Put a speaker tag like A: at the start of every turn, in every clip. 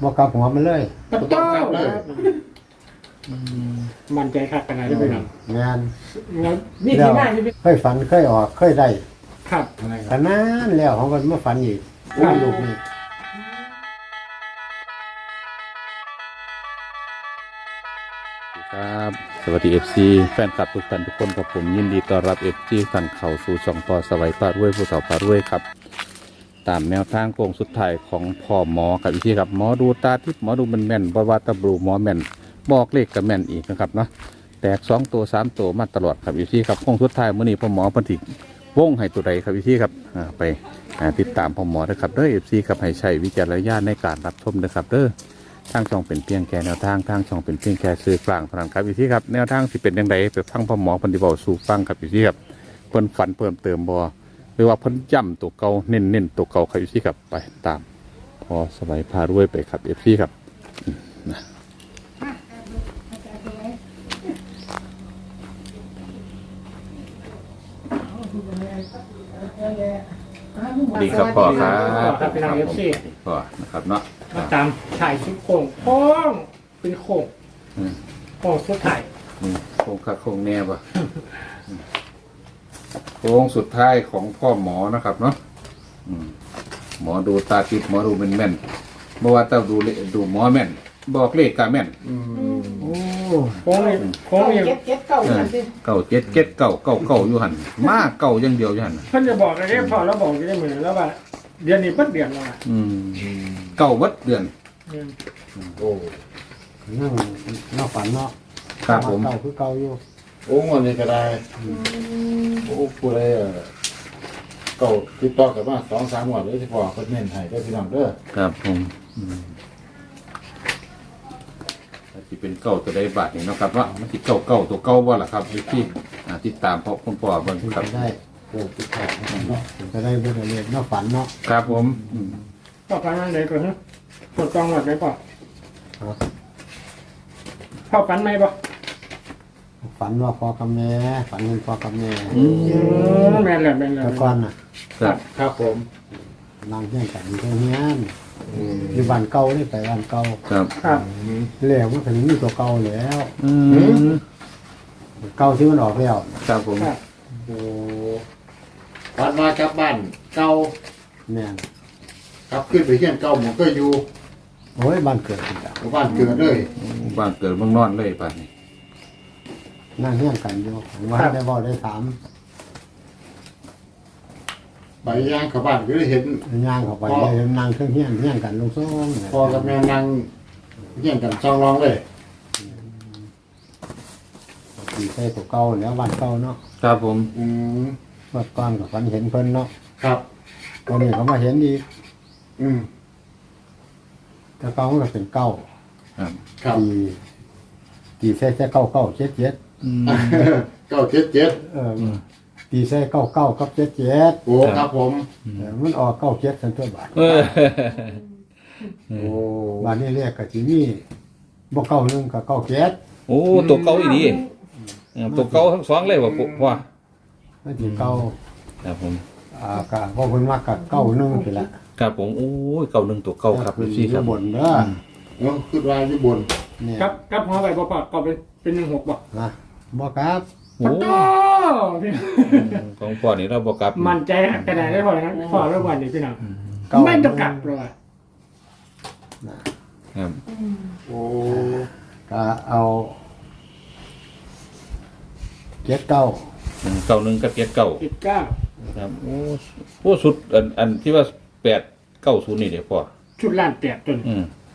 A: บ่กลับหัวมันเลย
B: ปัตโต้มันใจคักกันไหนได้ไปหนัง
A: งาน
B: นี่ที่หน้าที่
A: เคยฝันเคยออกเคยได้
B: ครับ
A: ขนาดแล้วของก็มาฝันอีกลูกนี่
C: ครับสวัสดี FC แฟนคลับทุกท่านทุกคนกับผมยินดีต้อนรับ FC ท่านเข้าสู่ช่องต่อสวัยปาดด้วยผู้สาวปาดด้วยครับตามแนวทางโค้งสุดท้ายของพ่อหมอครับพี่ครับหมอดูตาทิพย์หมอดูแม่นบ่ว่าตะบลูหมอแม่นบอกเลขกับแม่นอีกนะครับเนาะแตก2ตัว3ตัวมาตลอดครับพี่ครับโค้งสุดท้ายมื้อนี้พ่อหมอเพิ่นสิวงให้ตัวใดครับพี่ครับไปติดตามพ่อหมอนะครับเด้อ FC ครับให้ใช้วิจารณญาณในการรับชมนะครับเด้อทางช่องเป็นเพียงแค่แนวทางทางช่องเป็นเพียงแค่สื่อกลางเท่านั้นครับพี่ครับแนวทางสิเป็นยังไงไปฟังพ่อหมอเพิ่นสิเว้าสู่ฟังครับพี่ครับเพิ่นฝันเพิ่มเติมบ่หรือว่าเพิ่นย่ำตัวเก่าเน้นตัวเก่าครับพี่ครับไปตามพอสบายพารวยไปครับพี่ครับดีครับพ่อครับ
B: ครับเป็นนางเอฟซี
C: พ่อนะครับเนาะ
B: มาตามถ่ายชุดโค้งโค้งเป็นโค้งโค้งสุดท้าย
C: โค้งคักโค้งแน่ป่ะโค้งสุดท้ายของพ่อหมอนะครับเนาะหมอดูตาทิพย์หมอดูแม่นเมื่อว่าต้องดูหมอแม่นบอกเลขกาแม่น
B: โอ้โค้งนี่โค้งนี่
D: เก็บเก่ากันสิ
C: เก่าเก่าอยู่หันมาเก่าอย่างเดียวอยู่หัน
B: เพิ่นจะบอกอะไรพอแล้วบอกจะได้เหมือนแล้วว่าเดือนนี้เพิ่นเดือนแล้วอ่ะ
C: เก่าวัดเดือน
A: โอ้นั่งนอกฝันเนาะ
C: ครับผม
A: เก่าคือเก่าอยู่
E: โอ้งอนนี่ก็ได้โอ้ผู้ใดเก่าติดต่อกันมา2-3 งวดเลยที่พ่อเพิ่นเน้นให้ได้พี่น้องเด้อ
C: ครับผมที่เป็นเก่าตัวใดบาทนี่เนาะครับว่ามันติดเก่าตัวเก่าว่าล่ะครับที่ติดตามเพราะคุณพ่อเบิ่ง
A: เป็น
C: ครับ
A: ไปได้โอ้ติดต่อเนาะเป็นไปได้เรื่องอะไรนอกฝันเนาะ
C: ครับผม
B: พ่อฟันนั่นไหนก่อนฮะปวดกองหมดไหมพ่อ
A: ครับ
B: พ่อฟันไหมป่ะ
A: ฝันว่าพ่อกับแม่ฝันเห็นพ่อกับแม่
B: แม่นเลยแม่นเลย
A: แต่ก่อนน่ะ
C: ครับ
E: ครับผม
A: นั่งเฮี้ยงกันอยู่ตรงนี้อยู่บ้านเก่านี่ไปบ้านเก่า
C: ครับ
B: ครับ
A: แล้วมันถึงมีตัวเก่าแล้วเก่าที่มันออกแล้ว
C: ครับผม
B: ครับ
E: โอ้วัดมากลับบ้านเก่า
A: แม่น
E: กลับขึ้นไปเฮียนเก่าหมองก็อยู่
A: โอ้ยบ้านเกิดจริงจัง
E: บ้านเกิดเลย
C: บ้านเกิดเมืองนอนเลยป่ะนี่
A: นั่งเฮี้ยงกันอยู่ว่าได้บอกได้ถาม
E: ไปย่างเข้าบ้านก็ได้เห็น
A: ย่างเข้าไปเลยนั่งเครื่องเฮี้ยงกันลงซ่อง
E: พ่อกับแม่นั่งเฮียนกันช่องรองเลย
A: ตีใส่ตัวเก่าแล้วบ้านเก่าเนาะ
C: ครับผม
E: อืม
A: เมื่อก่อนกับฝันเห็นเพิ่นเนาะ
E: ครับ
A: วันนี้เขามาเห็นอีก
E: อืม
A: แต่เก่ามันก็เป็นเก้า
C: ครับ
E: ครับ
A: ตีใส่เก้าเจ็ด
E: 977
A: ตีใส่เก้ากับเจ็ด
E: โอ้ครับผม
A: มันออกเก้าเจ็ดสันตัวบาท
E: โอ้
A: บาทนี้เรียกกับที่นี่บ่เก้าหนึ่งกับเก้าเจ็ด
C: โอ้ตัวเก่าอีดีตัวเก่าทั้งสองเลยว่ะพ่อ
A: มันที่เก้า
C: ครับผม
A: กะพอเพิ่นมากกับเก้าหนึ่งไปละ
C: ครับผมโอ้ยเก่าหนึ่งตัวเก่าครับพี่ครับ
A: บนเด้อ
E: เนาะขึ้นว่าอยู่บน
A: เนี่ย
B: ครับครับหัวไปพ่อพ่อก็เป็น16ป่ะ
A: นะบ่ครับ
C: โอ้
B: ปัตโต้
C: ของพ่อนี่เราบอกกับ
B: มันใจกระดาษได้พอนะพอแล้ววันนี้พี่น้อง
A: เก้า
B: ไม่ต้องกลับเลย
C: ครับ
E: โอ้
A: ก็เอาเจ็ดเก้า
C: เก่าหนึ่งกับเก่า
B: 19
C: ครับโอ้สุดอันที่ว่า890นี่เดี๋ยวพ่อ
B: ชุดล้านแตกจน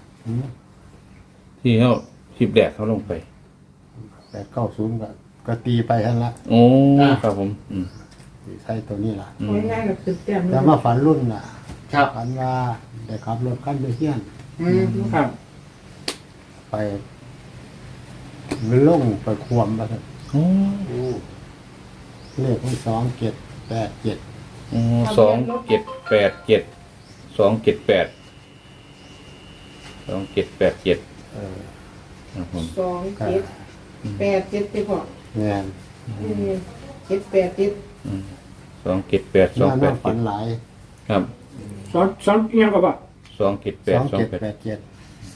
C: ที่เขาคลิปแดกเขาลงไป
A: 890ก็ตีไปหั่นละ
C: โอ้ครับผม
A: ตีใส่ตัวนี้ล่ะ
D: ง่ายๆกับตึกแต้ม
A: แต่มาฝันรุ่นน่ะ
E: ครับ
A: ฝันว่าได้ขับรถคันไปเฮี้ยน
E: อืม
B: ครับ
A: ไปมันลงไปควมมาเถอะ
C: โอ้
E: โอ้
A: เลขที่2787
C: 2787 2787ครับผม
D: 2-7-8-7ไปพอ
A: แม่น
D: 7-8-7
C: 278
A: น่าฝัน
C: 287
A: หลาย
C: ครับ
B: ซ้อนเอียงกับป่ะ
C: 278 287
A: 2787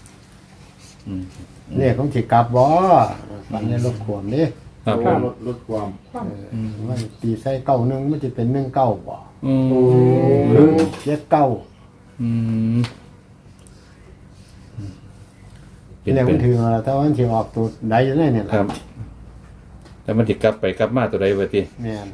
C: อืม
A: เลขของสิกลับบ่ฝันในรถขวมนี่
C: ครับผ
E: โอ้
C: ม
E: ลดความ
A: มันตีใส่เก้าหนึ่งมันจะเป็น1-9บ่
C: อืม
A: หรือ7-9
C: อืม
A: เลขมันถือว่าแต่ว่ามันสิออกตัวใดอยู่ในเนี่ย
C: ครับ แต่มันติกลับไปกลับมาตัวใดวะที
A: แม่น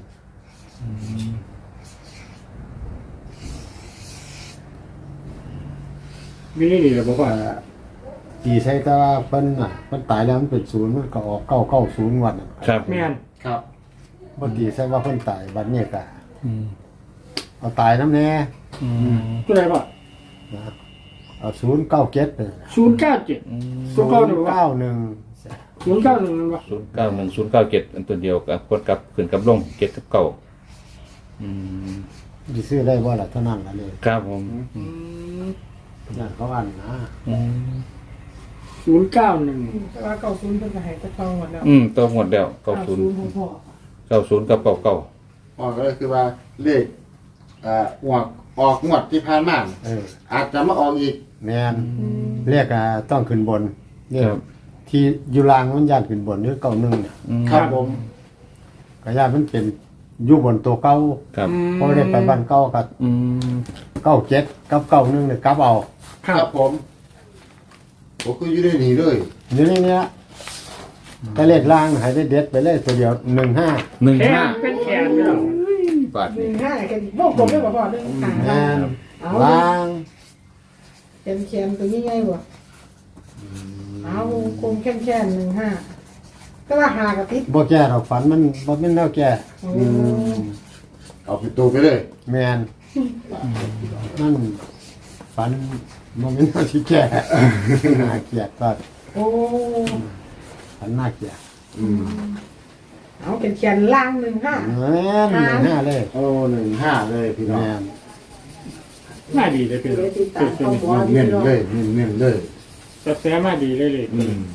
B: มีนี่นี่แหละบอกว่า
A: ตีใส่แต่ว่าเพิ่นน่ะเพิ่นตายแล้วมันเป็น0มันก็ออก990วันน่ะ
C: ครับ
B: แม่น
E: ครับ
A: บ่ตีใส่ว่าเพิ่นตายบัดนี้ก็
C: อืม
A: เอาตายนำแน่
C: อืม
B: ตัวไหนบ่
A: นะเอา097ไป
B: 097 091
A: 091
B: บ่
C: 091 097อันตัวเดียวกับกดกับขึ้นกับลงเจ็ดกับเก้าอืม
A: สิซื้อได้บ่ล่ะเท่านั้นล่ะเลย
C: ครับผม
A: นั่นเขาอันนะ
C: อืม
B: 091
D: แต่ว่า90เพิ่นก็ให้แต่ต้องหมดแล้ว
C: ตัวหมดแล้ว90
D: ของพ่อ
C: 90กับ99
E: ออกก็คือว่าเลขออกงวดที่ผ่านมา อาจจะมาออกอีก
A: แม่นเรียกต้องขึ้นบนเรียก
C: ครับ
A: ที่อยู่ล่างมันย่านขึ้นบนนี่91เนี่ย
C: อืม
E: ครับผม
A: ก็ย่านมันเป็นอยู่บนตัวเก่า
C: ครับ
A: เพราะได้ไปบ้านเก่ากับ
C: อืม
A: 97กับ91เนี่ยกลับเอา
E: ครับผมผมคืออยู่ได้หนีเลย
A: อยู่ในเนี้ยแต่เลขล่างให้ได้เด็ดไปเลยตัวเดียว15
C: หนึ่ง
B: แข
C: ห้าน
B: เป็นแขนพี่น้อง
C: บาทนี่
D: 15กันวงกลมได้บ่พ่อ1
A: แม่น
D: เอา
A: ล่าง
D: เป็นแขนตัวนี้ไงบ่เอาวงกลมแค่15ก็ว่าหากับติด
A: บ่แก่ดอกฝันมันบ่เป็นแนวแก่
D: โอ้
E: เอาปิดตัวไปเลย
A: แม่นมันฝันบ่เป็นแนวที่แก่น่าเกลียดก็
D: โอ้
A: ฝันน่าเกลียด
D: เอาเป็นแขนล่าง15
A: แม่น15เลย
E: โอ้15เลยพี่น้อง
A: แม่น
B: มาดีเลยพี่น้อง
D: เดี๋ยวติดตามข้อมูล
E: เน้นๆเลยเน้นๆเลย
B: กระแสมาดีเลยเลย
E: อืม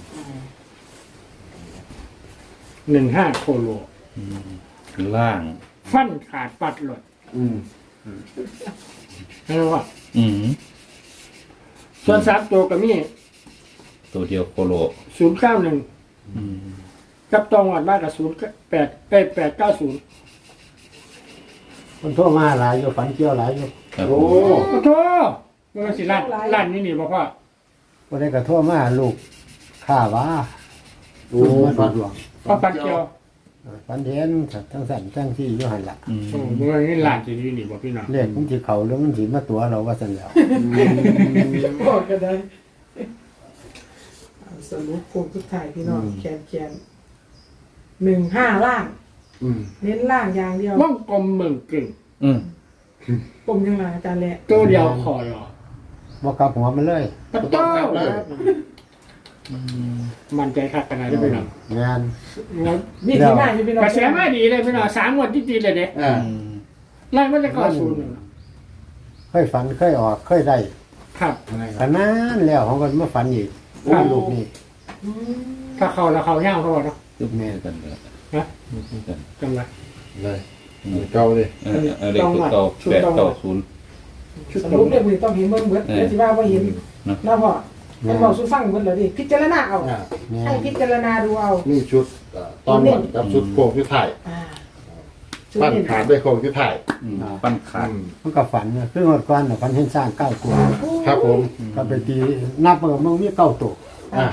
B: 15โคโล
C: ล่าง
B: ฟันขาดปัดหลด
E: อืม
B: เห็นว่า
C: อืม
B: ส่วน3ตัวก็มี
C: ตัวเดียวโคโล
B: 091
C: อืม
B: กับตองวัดบ้านกับ890
A: มันโทรมาหลายอยู่ฝันเกี่ยวหลายอยู่
C: ครับ
E: โอ้
B: โอ้โหมันสิร้านนี้นี่บ่พ่อ
A: บ่ได้ก็โทรมาลูกข้าว่า
E: โอ้
A: มา
E: ฟั
A: ดู
E: น
A: ดวง
B: พ่อปัดเกียว
A: ฝันเห็นทั้งสั่นทั้งที่อยู่หั่นล่ะ
C: อืม
B: โอ้มันนี่ร้านที่นี่บ่พี่น้อง
A: เลขมันสิเข้าหรือมันสิมาตัวเราว่าซั่นแล้ว
D: บอกก็ได้เอาสรุปโครงสุดท้ายพี่น้องแขน15ล่าง
E: อืม
D: เน้นล่างอย่างเดียว
B: ว่องกลมเมืองกึ่ง
C: อืม
D: กลมยังไงอาจารย์แหละ
B: ตัวเดียวคอรอ
A: บ่กลับหัวมันเลย
B: ปะ
E: ต้
B: โต้
E: องกลับเลย
B: มันใจคักขนาดนี้พี่น้อง
A: งาน
D: มีที่มาอยู่พี่น้อง
B: กระแสมาดีเลยพี่น้อง3งวดที่ดีเลยเด้
E: อ่า
B: ไล่มันจะก่อศูนย์
A: เคยฝันเคยออกเคยได้
B: ครับ
A: ขนาดแล้วของก็มาฝันอีกโอ้ลูกนี่
B: ถ้าเขาแล้วเขาย่างเขาเนาะ
C: คือแม่กันเลย
B: ฮะ
C: คือกัน
B: จังไร
E: เลยเก่าเลย
C: เลขตัวเก่า890
D: สรุปเรื่องมือต้องเห็นเบิ่งเบิดเดี๋ยวสิว่าบ่เห็นแล้วพอมันบอกสู้ฟังเบิดแล้วดิพิจารณาเอา
E: อ่า
D: ให้พิจารณาดูเอา
E: นี่ชุดตอนหมดกับชุดโค้งที่ถ่าย
D: อ่า
E: ปั้นขาดด้วยโค้งที่ถ่าย
C: ปั้นขาด
A: มันก็ฝันนะคือหมดก่อนน่ะฝันเห็นสร้าง9ตัว
E: ครับผม
A: ก็ไปตีนับมันก็มันมี9ตัว
E: อ่า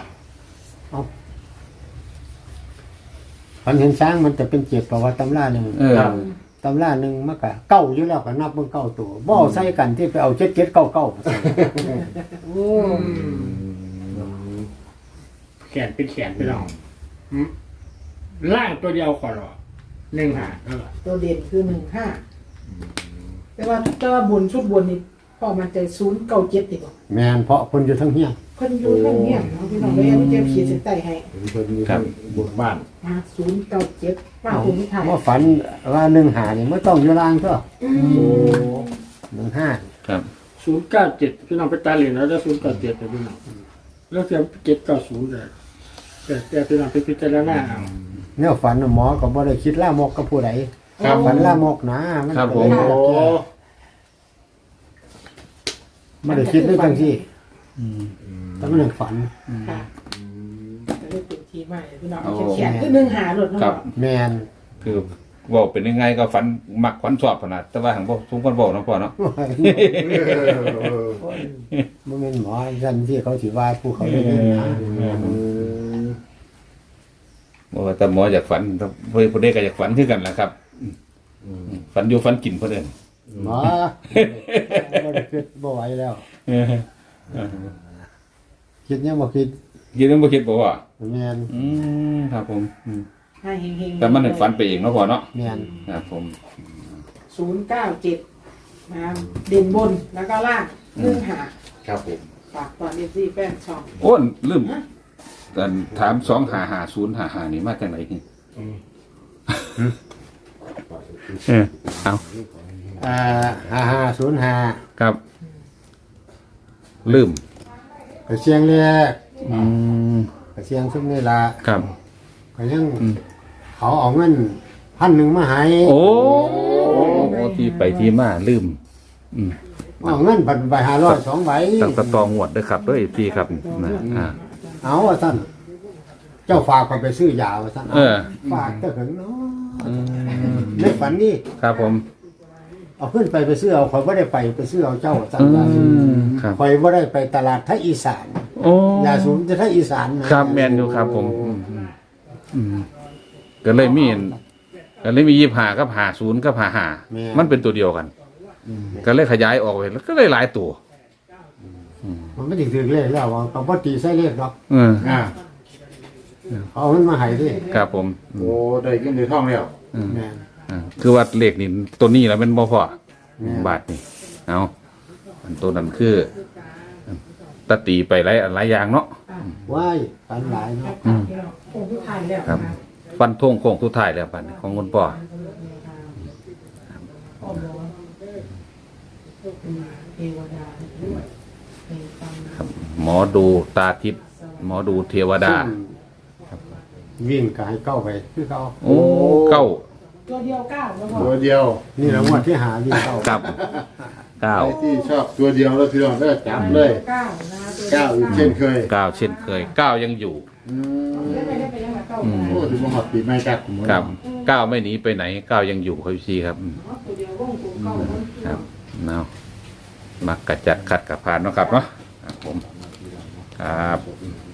A: ฝันเห็นช้างมันจะเป็น7ประวัติตำราหนึง
C: เออ
A: ตำราหนึงมันก็เก้าอยู่แล้วก็นับมัน9ตัวบ่เอาใส่กันที่ไปเอา7799
D: โอ้
B: แขนเป็นแขนพี่น้องล่างตัวเดียวคอรอ1
D: ตัวเด่นคือ15แต่ว่าบนชุดบนนี่พอมันใจ097ติบ่
A: แม่นเพราะคนอยู่ทั้งเฮีย
D: เพิ่นอยู่ทั้งเฮียเนาะพี่น้องเลยเอาเจ็บขีดเส้นใต้ให้
E: เพิ่นมีทั้งบุญบ้าน
D: มา097มาคุณถ่าย
A: ว่าฝันว่า15นี่มันต้องอยู่ล่างเถอะ
E: โอ้
A: 15
C: ครับ
B: 097พี่น้องไปตาเหรียญแล้วได้097เลยพี่น้องแล้วเสีย790เลยแต่พี่น้องไปพิจารณาเอา
A: แนวฝันน่ะหมอก็บ่ได้คิดลามกกับผู้ใด
E: ครับ
A: ฝันลามกนะมัน
C: ครับผม
E: โอ้
A: ไม่ได้คิดด้วยจังที่
C: อืม
A: แต่มันยังฝัน
D: ค่ะจะได้เป็นทีใหม่พี่น้อง
C: โอ้
D: เขียนคือหนึ่งหาหลุดเนาะ
C: ครับ
A: แมน
C: คือบอกเป็นยังไงก็ฝันมักฝันชอบขนาดแต่ว่าหังบ่ทุกคนบอกนะพ่อเนาะ
A: มันเป็นหมอยันที่เขาถือว่าผู้เขาได้เล่นนะ
C: บอกว่าแต่หมออยากฝันเพื่อนผู้ใดก็อยากฝันคือกันแหละครับฝันอยู่ฝันกินเพื่อน
A: หมอบ่ได้คิดบ่ไหวแล้ว คิดยังบ่คิด
C: คิดนึงบ่คิดบอกว่า
A: แมน
C: ครับผม
D: ให้เฮงๆ
C: แต่มันฝันไปเองเนาะพ่อเนาะ
A: แมน
C: ครับผม
D: 097นะเด่นบนแล้วก็ล่างหนึ่งหา
E: ครับผม
D: ฝากตอนนี้ที่แฟนช่อง
C: โอ้นลืมแต่ถาม25505นี่มาจากไหนนี่เอา
A: 5505
C: ครับ ลืม
A: ไปเสียงแรกไปเสียงซุมนี่ล่ะ
C: ครับ
A: ก็ยังเขาเอาเงิน1,000มาให้
C: โอ้ที่ไปที่มาลืม
A: เอาเงินใบ500 2ใบ
C: ตั้งแต่ตองวดด้วยครับด้วยพี่ครับนะ
A: เอาว่าท่านเจ้าฝากไปซื้อยาว่าท่าน
C: เออ
A: ฝากเจ้าถึงเนาะในฝันนี่
C: ครับผม
A: เอาขึ้นไปซื้อเอาข่อยบ่ได้ไปซื้อเอาเจ้าท่านยาสูบ
C: ครับ
A: ข่อยบ่ได้ไปตลาดไทยอีสาน
C: โอ้
A: ยาสูบจะไทยอีสานนะครับ
C: แมนอยู่ครับผมก็เลยมี25กับ50กับ55มันเป็นตัวเดียวกัน ก็เลยขยายออกไปแล้วก็เลยหลายตัว
A: มันไม่ได้ถือเลขแล้วว่าเขาบ่ตีใส่เลขหรอก
E: อ่า
A: เอาเงินมาให้ดิ
C: ครับผม
E: โอ้ได้เงินได้ทองแล้ว
A: แม่น
C: คือว่าเลขนี่ตัวนี้แล้วเป็นบ่พอ
A: แม่น
C: บาทนี่เอาอันตัวนั้นคือตะตีไปหลายอย่างเนาะ
A: ว้ายฝันหลายเนาะ
D: โอ้ผู้ไทยแล้ว
C: ครับ ฟันทงโค้งสุดท้ายแล้วบัดนี้ของคุณพ่อ
D: เทวดาเป็นฟัง
C: ครับ หมอดูตาทิพย์หมอดูเทวดา
A: วิ่งก็ให้เข้าไปคือเขา
C: โอ้เก้า
D: ตัวเดียว9แล้วก็
E: ตัวเดียว
A: นี่แหละงวดที่หาวิ่งเข้า
C: ครับเก้า
E: ใครที่ชอบตัวเดียวแล้วพี่น้องก็จับเลย
D: 9นะตัว
E: เก้าอีกเช่นเคย
C: เก้าเช่นเคยเก้ายังอยู่
D: ได้ไปยังไงเก้า
E: โอ้ถึงมาหอดปีใหม่กัด
C: ครับเก้าไม่หนีไปไหนเก้ายังอยู่ครับพี่ครับ
D: ตัวเดียววงกลมเก้า
C: ครับเนาะมักกระจัดขัดกับพานเนาะครับเนาะครับผมครับ